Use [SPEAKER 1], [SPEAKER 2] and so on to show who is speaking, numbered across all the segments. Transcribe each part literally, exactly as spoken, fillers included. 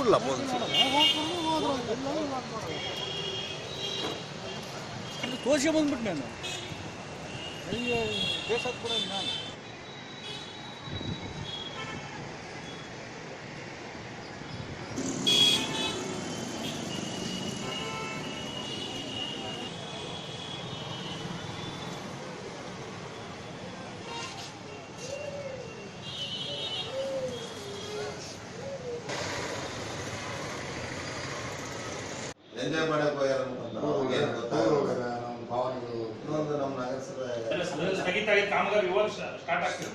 [SPEAKER 1] Full opposite
[SPEAKER 2] ತೋರಿಸಿ ಬಂದ್ಬಿಟ್ಟು ನಾನು ಅಯ್ಯೋ ಬೇಸಾದ ಕೂಡ ನಾನು
[SPEAKER 3] ಎಂಜಾಯ್ ಮಾಡಕ್ಕೆ ಹೋಗ್ಯಾರ ಏನು ಗೊತ್ತಾಗಲ್ಲ. ನಮ್ಮ ಭಾವನೆಗಳು ಇನ್ನೊಂದು ನಮ್ಮ ನಗರಸಭೆ
[SPEAKER 4] ಸ್ಥಗಿತ ಕಾಮಗಾರಿ ಇವಾಗ ಸ್ಟಾರ್ಟ್ ಆಗ್ತಿದೆ.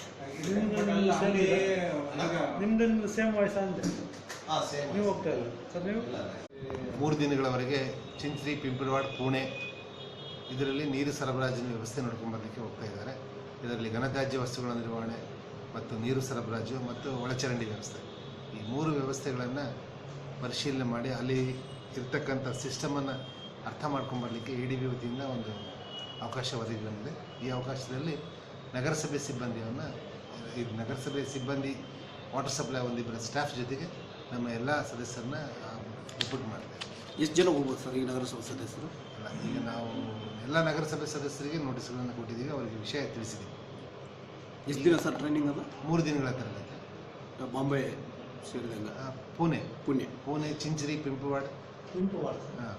[SPEAKER 2] ನಿಮ್ದು ಸೇಮ್ ವಯಸ್ಸ ಅಂತೆ
[SPEAKER 3] ಹಾಂ ಸೇಮ್
[SPEAKER 2] ನೀವು ಹೋಗ್ತಾ ಇಲ್ಲ ಸರ್ ನೀವು
[SPEAKER 5] ಮೂರು ದಿನಗಳವರೆಗೆ ಚಿಂಚ್ರಿ ಪಿಂಪಳವಾಡ ಪುಣೆ ಇದರಲ್ಲಿ ನೀರು ಸರಬರಾಜಿನ ವ್ಯವಸ್ಥೆ ನೋಡ್ಕೊಂಡ್ಬರಲಿಕ್ಕೆ ಹೋಗ್ತಾ ಇದ್ದಾರೆ. ಇದರಲ್ಲಿ ಘನತ್ಯಾಜ್ಯ ವಸ್ತುಗಳ ನಿರ್ವಹಣೆ ಮತ್ತು ನೀರು ಸರಬರಾಜು ಮತ್ತು ಒಳಚರಂಡಿ ವ್ಯವಸ್ಥೆ ಈ ಮೂರು ವ್ಯವಸ್ಥೆಗಳನ್ನು ಪರಿಶೀಲನೆ ಮಾಡಿ ಅಲ್ಲಿ ಇರ್ತಕ್ಕಂಥ ಸಿಸ್ಟಮನ್ನು ಅರ್ಥ ಮಾಡ್ಕೊಂಬರಲಿಕ್ಕೆ ಇ ಡಿ ಬಿ ವತಿಯಿಂದ ಒಂದು ಅವಕಾಶ ಒದಗಿ ಬಂದಿದೆ. ಈ ಅವಕಾಶದಲ್ಲಿ ನಗರಸಭೆ ಸಿಬ್ಬಂದಿಯನ್ನು ಈ ನಗರಸಭೆ ಸಿಬ್ಬಂದಿ ವಾಟರ್ ಸಪ್ಲೈ ಒಂದಿಬ್ಬರ ಸ್ಟಾಫ್ ಜೊತೆಗೆ ನಮ್ಮ ಎಲ್ಲ ಸದಸ್ಯರನ್ನ ರಿಪೋರ್ಟ್ ಮಾಡಿದೆ.
[SPEAKER 2] ಎಷ್ಟು ಜನ ಹೋಗ್ಬೋದು ಸರ್ ಈ ನಗರಸಭೆ ಸದಸ್ಯರು?
[SPEAKER 5] ಅಲ್ಲ, ಈಗ ನಾವು ಎಲ್ಲ ನಗರಸಭೆ ಸದಸ್ಯರಿಗೆ ನೋಟಿಸ್ಗಳನ್ನು ಕೊಟ್ಟಿದ್ದೀವಿ, ಅವರಿಗೆ ವಿಷಯ ತಿಳಿಸಿದ್ದೀವಿ.
[SPEAKER 2] ಎಷ್ಟು ದಿನ ಸರ್ ಟ್ರೈನಿಂಗ್ ಅದು?
[SPEAKER 5] ಮೂರು ದಿನಗಳ ತರಬೇತಿ.
[SPEAKER 2] ಬಾಂಬೆ ಸೇರಿದಂಗೆ
[SPEAKER 5] ಪುಣೆ
[SPEAKER 2] ಪುಣೆ
[SPEAKER 5] ಪುಣೆ ಚಿಂಚರಿ ಪಿಂಪವಾಡ
[SPEAKER 2] ಪಿಂಪವಾಡ
[SPEAKER 5] ಹಾಂ.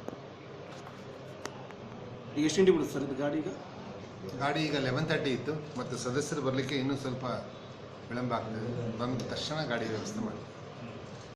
[SPEAKER 2] ಈಗ ಎಷ್ಟು ಗಂಟೆ ಬಿಡುತ್ತೆ ಸರ್ ಇದು ಗಾಡಿ? ಈಗ
[SPEAKER 5] ಗಾಡಿ ಈಗ ಲೆವೆನ್ ತರ್ಟಿ ಇತ್ತು ಮತ್ತು ಸದಸ್ಯರು ಬರಲಿಕ್ಕೆ ಇನ್ನೂ ಸ್ವಲ್ಪ ವಿಳಂಬ ಆಗ್ತದೆ. ಬಂದ ತಕ್ಷಣ ಗಾಡಿ ವ್ಯವಸ್ಥೆ ಮಾಡಿ